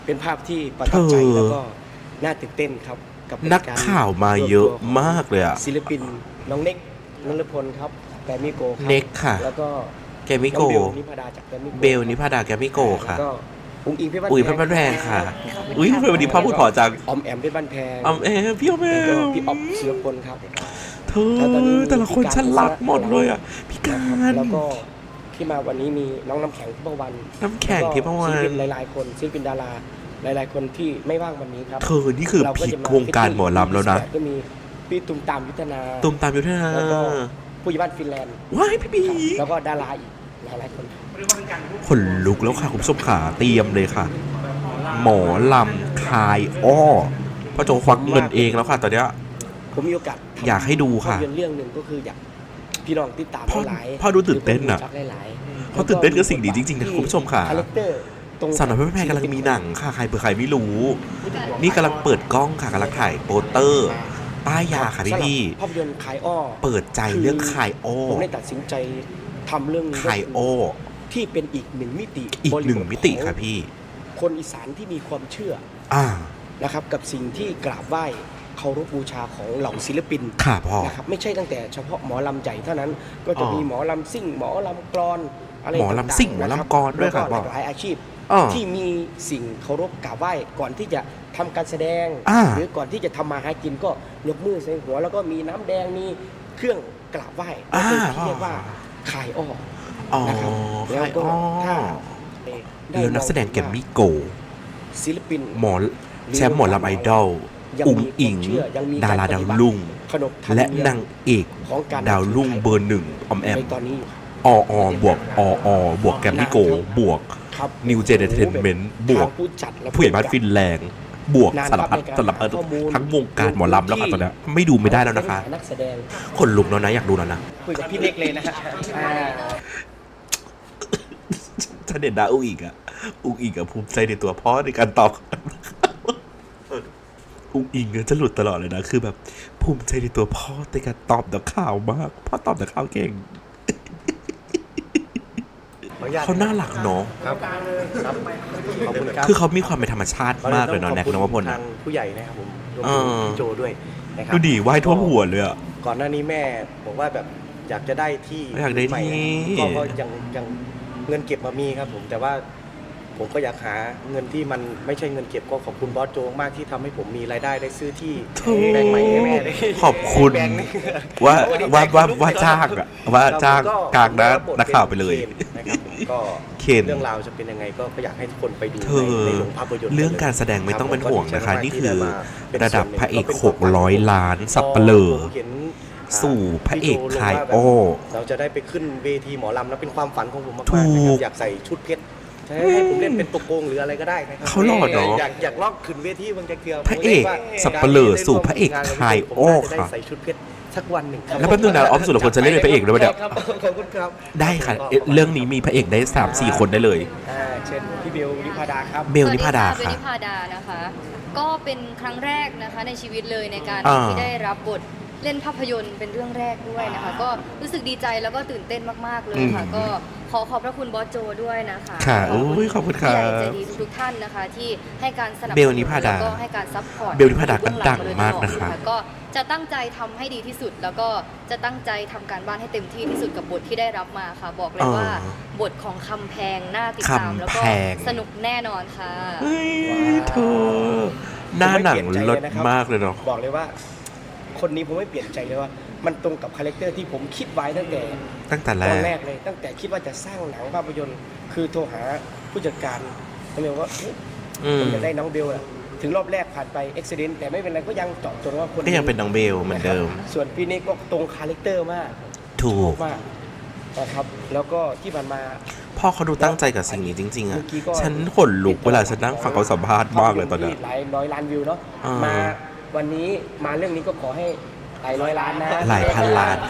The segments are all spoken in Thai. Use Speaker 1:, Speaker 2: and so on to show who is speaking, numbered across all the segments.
Speaker 1: เป็นภาพที่ประทับใจแล้วก็น่าตื่นเต้นครับกับ
Speaker 2: นักข่าวมาเยอะมากเลยอะ
Speaker 1: ศิลปินน้องเน็กนฤพลครับแกรมมี่โกครับ
Speaker 2: เน็กค่ะ
Speaker 1: แล้วก็
Speaker 2: แกรมมี่โก
Speaker 1: เบลนิพาดาจากแกรมมี่โก
Speaker 2: เบลนิพาดาแกรมมี่โกค่ะ
Speaker 1: แล้วก็อุ้งอิงเพชรบ้าน
Speaker 2: อุ้ยเพชรบ้านแพงค่ะอุ้ยทำไมวันนี้พ่อพูดขอจัง
Speaker 1: ออมแอมเพชรบ้านแพง
Speaker 2: ออมแอมพี่ออมแอ
Speaker 1: แล้วก็
Speaker 2: ม
Speaker 1: พี่อ๊อฟศิลปพลครับ
Speaker 2: เธอแต่ละคนฉันรักหมดเลยอ่ะพี่การ
Speaker 1: แล้วก็ที่มาวันนี้มีน้องน้ำแข็งทิพวรรณ
Speaker 2: น้ำแข็งทิพวรรณ
Speaker 1: ศิลปินหลายๆคนศิลปินดาราหลายๆคนที่ไม่ว่างวันนี้ครับ
Speaker 2: เธอนี่คือพีควงการหมอลำแล้วนะ
Speaker 1: ก็มีพี่ตุ้มตามยุทธนาแล้วก็ผู้ใหญ่บ้านฟินแลนด์
Speaker 2: ว้ายพี่บี
Speaker 1: แล้วก็ดาราอีกหลายๆคน
Speaker 2: ขนลุกแล้วค่ะคุณผู้ชมขาเตรียมเลยค่ะหมอลำคายอ้อพ่อโจควักเงินเองแล้วค่ะตอนเนี้ย
Speaker 1: ผมมีโอกาส
Speaker 2: อยากให้ดูค่ะ
Speaker 1: เรื่องหนึ่งก็คืออยากพี่น้องติดตามหลาย
Speaker 2: พ่อดูตื่นเต้นอ่ะเขาตื่นเต้นกับสิ่งนี้จริงๆนะคุณผู้ชมค่ะสาวน้อยเพชรบ้านแพงกำลังมีหนังค่ะใครเผื่อใครไม่รู้นี่กำลังเปิดกล้องค่ะกำลังถ่ายโปสเตอร์ป้ายยาค่ะพี่
Speaker 1: ภาพยนตร์คายอ้อ
Speaker 2: เปิดใจเรื่องคายอ้อ
Speaker 1: ผมได้ตัดสินใจทำเรื่อง
Speaker 2: คายอ้อ
Speaker 1: ที่เป็นอีกหนึ่งมิติ
Speaker 2: ค่ะพี่
Speaker 1: คนอีสานที่มีความเชื่อนะครับกับสิ่งที่กราบไหว้เคารพบูชาของเหล่าศิลปิน
Speaker 2: ค่ะพ่อ
Speaker 1: นะครับไม่ใช่ตั้งแต่เฉพาะหมอลำใหญ่เท่านั้นก็จะมีหมอลำซิ่งหมอลำกลอนอะไร
Speaker 2: หมอลำซิ่งหมอลำกลอนด้วยครับ
Speaker 1: หลายอาชีพที่มีสิ่งเคารพกราบไหว้ก่อนที่จะทำการแสดงหรือก่อนที่จะทำมาหากินก็ยกมือใส่หัวแล้วก็มีน้ำแดงมีเครื่องกราบไหว้ที่เรียกว่าคายอ้อนะครับแล้วก็ถ้า
Speaker 2: แล้วนักแสดงแกมมี่โก
Speaker 1: ศิลปิน
Speaker 2: หมอแชมป์หมอลำไอดอลอุ๋งอิงดาราดาวรุ่งและนางเอกดาวรุ่งเบอร์หนึ่งออมแอมบวกบวกแกมมี่โกบวกนิวเจเนเทนเมนต์บวกผู้ใหญ่บ้านฟินแลนด์บวกสารพัดทั้งวงการหมอลำแล้วค่ะตอนนี้ไม่ดูไม่ได้แล้วนะคะคนลุกแล้วนะอยากดูแล้วนะ
Speaker 1: คุยกับพี่เล็กเลยนะฮะ
Speaker 2: ฉันเด่นดาอุ้งอิงอะภูมิใจในตัวพ่อในการตอบอุ้งอิงเนี่ยจะหลุดตลอดเลยนะคือแบบภูมิใจในตัวพ่อในการตอบนักข่าวมากพ่อตอบนักข่าวเก่งเขาน่ารักเนาะ
Speaker 1: ครับขอบคุณครับ
Speaker 2: คือเขามีความเป็นธรรมชาติมากเลยเนาะแน็กนวพล
Speaker 1: ทางผู้ใหญ่นะครับผมรวมถึงพี่โจด้วยนะครับ
Speaker 2: ดูดิว่ายท่วมหัวเลยอะ
Speaker 1: ก่อนหน้านี้แม่บอกว่าแบบอยากจะได้ที่ใหม่ก็ยังเงินเก็บมามีครับผมแต่ว่าผมก็อยากหาเงินที่มันไม่ใช่เงินเก็บก็ขอบคุณบอสโจมากที่ทำให้ผมมีรายได้ได้ซื้อที่แบงค์ใหม่ให้แม่ได้
Speaker 2: ขอบคุณว่าจ้างอะว่าจ้างกลางนักข่าวไปเลย
Speaker 1: นะครับก็เรื่องราวจะเป็นยังไงก็อยากให้ทุกคนไปดูในโรงภาพยนตร์
Speaker 2: เรื่องการแสดงไม่ต้องเป็นห่วงนะคะนี่คือระดับพระเอก600 ล้านสับเปลือสู่พระเอกคายอ้อ
Speaker 1: เราจะได้ไปขึ้นเวทีหมอลำแล้วเป็นความฝันของผมมากๆนะครับอยากใส่ชุดเพชรให้ผมเล่นเป็นตัวโกงหรืออะไรก็ได้นะครับ
Speaker 2: เขาหล่อเนาะ
Speaker 1: อยากลอกขึ้นเวทีบางจะเกือ
Speaker 2: พระเอกสับเปลือสู่พระเอกคายอ้อค่ะ
Speaker 1: ใส่ชุดเพชรสักวันหนึ่ง
Speaker 2: แล้วแป๊บนึงนะออฟสุรพลจะเล่นเป็นพระเอกด้วยไหมเนี่ย
Speaker 1: ขอบคุณครับ
Speaker 2: ได้ค่ะเรื่องนี้มีพระเอกได้ 3-4 คนได้เลย
Speaker 1: เช่นพี่เบลนิพาดาครับ
Speaker 2: เบลนิพาดา
Speaker 3: ค่ะเบลนิพาดานะคะก็เป็นครั้งแรกนะคะในชีวิตเลยในการที่ได้รับบทเล่นภาพยนตร์เป็นเรื่องแรกด้วยนะคะก็รู้สึกดีใจแล้วก็ตื่นเต้นมากๆเลยค่ะก็ขอขอบพระคุณบอสโจด้วยนะคะ
Speaker 2: ค่ะขอบคุณค่ะ
Speaker 3: ใจดีทุกท่านนะคะที่ให้การสนับสนุน
Speaker 2: เบลนิพาดา
Speaker 3: แล้วก็ให้การซัพพอร์ต
Speaker 2: เบลนิพาดาก็ดังมากนะคะ
Speaker 3: ก็จะตั้งใจทำให้ดีที่สุดแล้วก็จะตั้งใจทำการบ้านให้เต็มที่ที่สุดกับบทที่ได้รับมาค่ะบอกเลยว่าบทของคำแพงน่าติดตามแล้วก็สนุกแน่นอนค่ะ
Speaker 2: เธอหน้าหนังเลิศมากเลยเนาะ
Speaker 1: บอกเลยว่าคนนี้ผมไม่เปลี่ยนใจเลยว่ามันตรงกับคาแรคเตอร์ที่ผมคิดไว้ตั้งแต่แรกเลยตั้งแต่คิดว่าจะสร้างหนังภาพยนตร์คือโทรหาผู้จัดการเขาบอกว่าผมอยากได้น้องเบลอะถึงรอบแรกผ่านไปเอ็กซิเดนต์แต่ไม่เป็นไรก็ยังเจาะจงว่าคน
Speaker 2: ก็ยังเป็นน้องเบลเหมือนเดิม
Speaker 1: ส่วนพี่นี่ก็ตรงคาแรคเตอร์มาก
Speaker 2: ถูก
Speaker 1: มากนะครับแล้วก็ที่ผ่านมา
Speaker 2: พ่อเขาดูตั้งใจกับสิ่งนี้จริงๆอ่ะฉันขนลุกเวลาฉันนั่งฟังเขาสัมภาษณ์มากเลยตอนนี้
Speaker 1: หลายร้อยล้านวิวเนาะมาวันนี้มาเรื่องนี้ก็ขอให้หลายร้อยล้านนะ
Speaker 2: หลายพันล้าน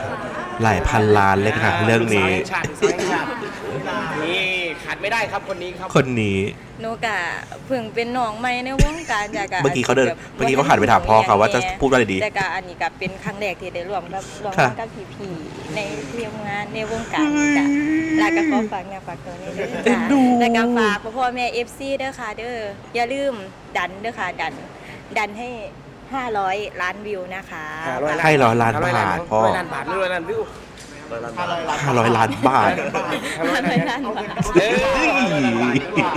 Speaker 2: หลายพันล้านเลยค่ะเรื่องนี้
Speaker 1: สาวแห่งชาตินี่ขาดไม่ได้ครับคนนี้ครับ
Speaker 2: คนนี้
Speaker 4: หนูกะเพิ่งเป็นน้องใหม่ในวงการจาก
Speaker 2: เมื่อกี้เขาหันไปถามพ่อเขาว่าจะพูดว่าอะไรดี
Speaker 4: แต่กะอันนี้กะเป็นครั้งแรกที่ได้ร่วมงานกับพี่ๆในทีมงานในวงการกะแล้วก็ขอฝากเนี่ยฝากตัวนี้ด้วย
Speaker 2: เอ็
Speaker 4: จ้ะ
Speaker 2: นดู
Speaker 4: แล้วก็ฝากพ่อแม่ FC เด้อค่ะเด้ออย่าลืมดันเด้อค่ะดันให้500 ล้านวิวนะคะ
Speaker 2: ให้100 ล้านบาทพ่อ
Speaker 1: 100 ล้านบาทหรือ100 ล้านวิว
Speaker 2: 500 ล้านบาท
Speaker 4: 500 ล้านบาท
Speaker 2: เอ้ย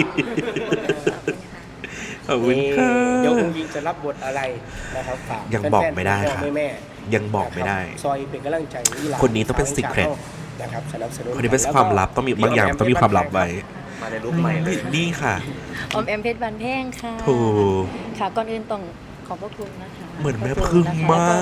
Speaker 2: ขอบคุณค่ะ
Speaker 1: เดี๋ยวคุณยิงจะรับบทอะไรนะครับฝาก
Speaker 2: ยังบอกไม่ได้
Speaker 1: แฟนๆ
Speaker 2: ค่ะ
Speaker 1: พ่อแม่
Speaker 2: ยังบอกไม่ได้
Speaker 1: นะครับซอยเป็นกำลังใจให้หลา
Speaker 2: คนนี้ต้องเป็น secret
Speaker 1: นะครับสนับสนุน
Speaker 2: คนนี้เป็นความลับต้องมีบางอย่างต้องมีความลับไว้
Speaker 1: มาในรูปใหม่เลย
Speaker 2: นี่ค่ะ
Speaker 3: ออมแอมเพชรบันแพงค่ะ
Speaker 2: ถูก
Speaker 3: ค่ะก่อนอื่นต้องขอบพระคุณนะคะ
Speaker 2: เหมือนแม่พึ่งมาก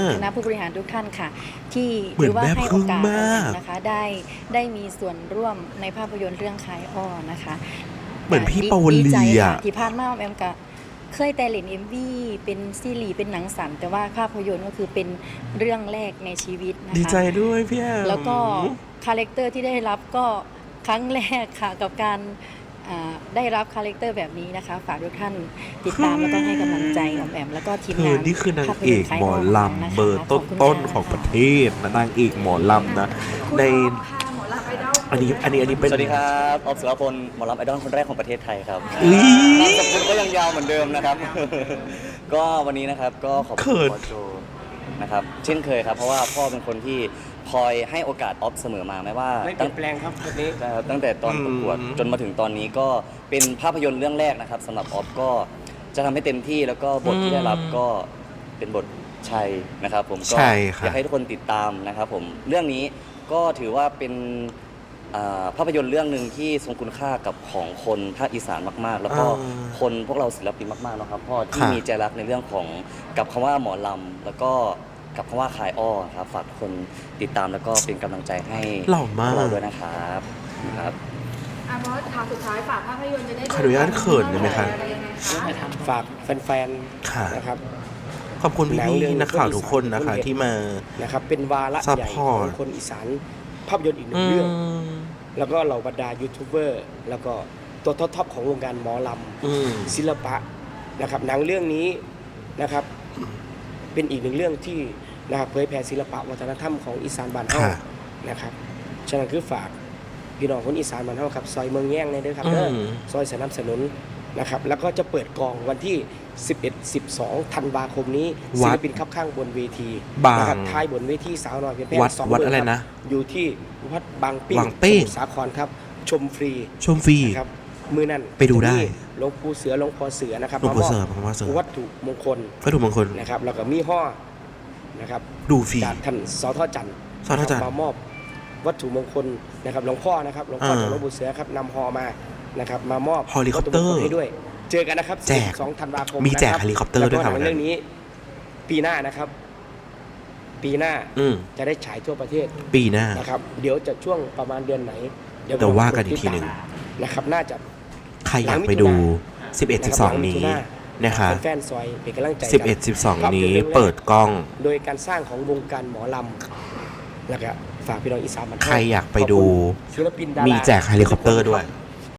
Speaker 3: คณะผู้บริหารทุกท่านค่ะ ที่
Speaker 2: เหมือน
Speaker 3: ถืว่า
Speaker 2: แม่
Speaker 3: ให้
Speaker 2: พึ่
Speaker 3: โอง กาส
Speaker 2: มาก
Speaker 3: นะคะได้มีส่วนร่วมในภาพยนตร์เรื่องคายอ้อนะคะ
Speaker 2: เหมือนพี่ปาว
Speaker 3: ดี
Speaker 2: ลี
Speaker 3: ใจ
Speaker 2: อ่ะ
Speaker 3: ค่ะที่ผ่านมาออมแอมก็เคยแต่เล่น MV เป็นซีรีส์เป็นหนังสั้นแต่ว่าภาพยนตร์ก็คือเป็นเรื่องแรกในชีวิตนะคะ
Speaker 2: ดีใจด้วยพี่แอม
Speaker 3: แล้วก็คาแรคเตอร์ที่ได้รับก็ครั้งแรกค่ะกับการได้รับคาแรคเตอร์แบบนี้นะคะ ฝากทุกท่านติดตามแล้วก็ให้กำลังใจออมแอมแล้วก็ทีม
Speaker 2: เธ
Speaker 3: งา
Speaker 2: อน นี่คือนางเอกหมอลำเบอร์ต้นๆของประเทศนะนางเอกหมอลำนะในอันนี้เป็น
Speaker 5: สวัสดีครับออฟสุรพลหมอลำไอดอลคนแรกของประเทศไทยครับ
Speaker 2: อุ๊ย
Speaker 5: นามสกุลก็ยังยาวเหมือนเดิมนะครับ ก็วันนี้นะครับก็ขอบ
Speaker 2: เขิ
Speaker 5: คุณ
Speaker 2: น
Speaker 5: บอสโจนะครับเช่นเคยครับเพราะว่าพ่อเป็นคนที่คอยให้โอกาสออฟเสมอมาไม่ว่า
Speaker 1: ไม่เปลี่ยนแปลงครับคนนี้
Speaker 5: ตั้งแต่ตอนประกวดจนมาถึงตอนนี้ก็เป็นภาพยนตร์เรื่องแรกนะครับสำหรับออฟก็จะทำให้เต็มที่แล้วก็บทที่ได้รับก็เป็นบทชัยนะครับผมก็
Speaker 2: ใช่ครับ
Speaker 5: อยากให้ทุกคนติดตามนะครับผมเรื่องนี้ก็ถือว่าเป็นภาพยนตร์เรื่องหนึ่งที่ทรงคุณค่ากับของคนภาคอีสานมากๆ แล้วก็คนพวกเราศิลปินมากๆนะครับพ่อที่มีใจรักในเรื่องของกับคำว่าหมอลำแล้วก็กับคำว่าขายอ้อครับฝากทุกคนติดตามแล้วก็เป็นกำลังใจให้
Speaker 2: หล่อมาก
Speaker 5: พวเราด้วยนะครับครับ
Speaker 6: บอสข่าวสุดท้ายฝากภาพยนตร์จะได้
Speaker 2: ขออนุญาตเขินได้ไหมคะ
Speaker 6: อะไรยังไงคะ
Speaker 1: ฝากแฟน
Speaker 2: ค่ะ
Speaker 1: ๆนะครับ
Speaker 2: ขอบคุณพี่ๆนักข่าวทุกคนนะคะ ที่มา
Speaker 1: นะครับเป็นวาระใหญ่ข
Speaker 2: Support
Speaker 1: องคนอีสานภาพยนตร์อีกหนึ่
Speaker 2: อื
Speaker 1: งเรื่อง
Speaker 2: ม
Speaker 1: แล้วก็เหล่าบรรดายูทูบเบอร์แล้วก็ตัวท็อปๆของวงการหมอล
Speaker 2: อืม
Speaker 1: ำศิลปะนะครับหนังเรื่องนี้นะครับเป็นอีกหนึ่งเรื่องที่นะครับเผยแผ่ศิลปะวัฒนธรรมของอีสานบ้านเฮา
Speaker 2: ค่ะ
Speaker 1: นะครับฉะนั้นคือฝากพี่น้องคนอีสานบ้านเฮาครับซอยเมืองแย่งในเด้อครับเด้อ
Speaker 2: อืม
Speaker 1: ซอยสนับสนุนนะครับแล้วก็จะเปิดกองวันที่ 11-12 ธันวาคมนี้ศิลปินขับข้างบนเวที
Speaker 2: บาง
Speaker 1: นะครับท้ายบนเวทีสาวน้อยเพียงแค่
Speaker 2: วัด
Speaker 1: สอง
Speaker 2: วัด
Speaker 1: เมืง
Speaker 2: อะไร
Speaker 1: คบ
Speaker 2: นะ
Speaker 1: อยู่ที่วัดบางปิ้ง
Speaker 2: บางปิ้ง
Speaker 1: สมุทรสาครครับชมฟรี
Speaker 2: ชมฟรี
Speaker 1: นะครับมือนั้น
Speaker 2: ไปดูได้
Speaker 1: ที่หลวงปู่เสือหลวงพ่อเสือนะครับ
Speaker 2: หลวงพ่อเสือ
Speaker 1: มาม
Speaker 2: หลวงพ่อเสือ
Speaker 1: อบวัตถุมงคล
Speaker 2: วัตถุมงคล
Speaker 1: นะครับแล้วก็มีห่อนะครับ
Speaker 2: ดูฟรี
Speaker 1: จากท่านสทจันทร์
Speaker 2: สทจันทร์
Speaker 1: มามอบวัตถุมงคลนะครับหลวงพ่อนะครับหลวงพ่อ
Speaker 2: อ่า
Speaker 1: จากหลวงปู่เสือครับนำห่อมานะครับมามอบ
Speaker 2: เฮลิคอปเตอร์
Speaker 1: วัตถุมงคลให้ด้วย เจอกันนะครับ
Speaker 2: แจก
Speaker 1: 12 ธันวาคม
Speaker 2: มีแจก
Speaker 1: นะ
Speaker 2: เฮลิคอปเตอร์ด้วยครับ
Speaker 1: แล้วก็หนังเรื่องนี้ ปีหน้านะครับ ปีหน้า
Speaker 2: อืม
Speaker 1: จะได้ฉายทั่วประเทศ
Speaker 2: ปีหน้า
Speaker 1: นะครับเดี๋ยวจะช่วงประมาณเดือนไหน
Speaker 2: เดี๋ยวว่ากันอีกทีหนึ่ง
Speaker 1: นะครับน่าจะ
Speaker 2: ใครอยากไปดู 11-12 นี้นะคะ
Speaker 1: แฟนๆซอยเป็นกำลังใจกัน
Speaker 2: 11-12 นี้เปิดกล้อง
Speaker 1: โดยการสร้างของวงการหมอลำแล้วก็ฝากพี่น้องอีสานบ้านเฮา
Speaker 2: ใครอยากไปดู
Speaker 1: ขอบคุณศิลปินดารา
Speaker 2: มีแจกเฮลิคอปเตอร์ด้วย
Speaker 1: ท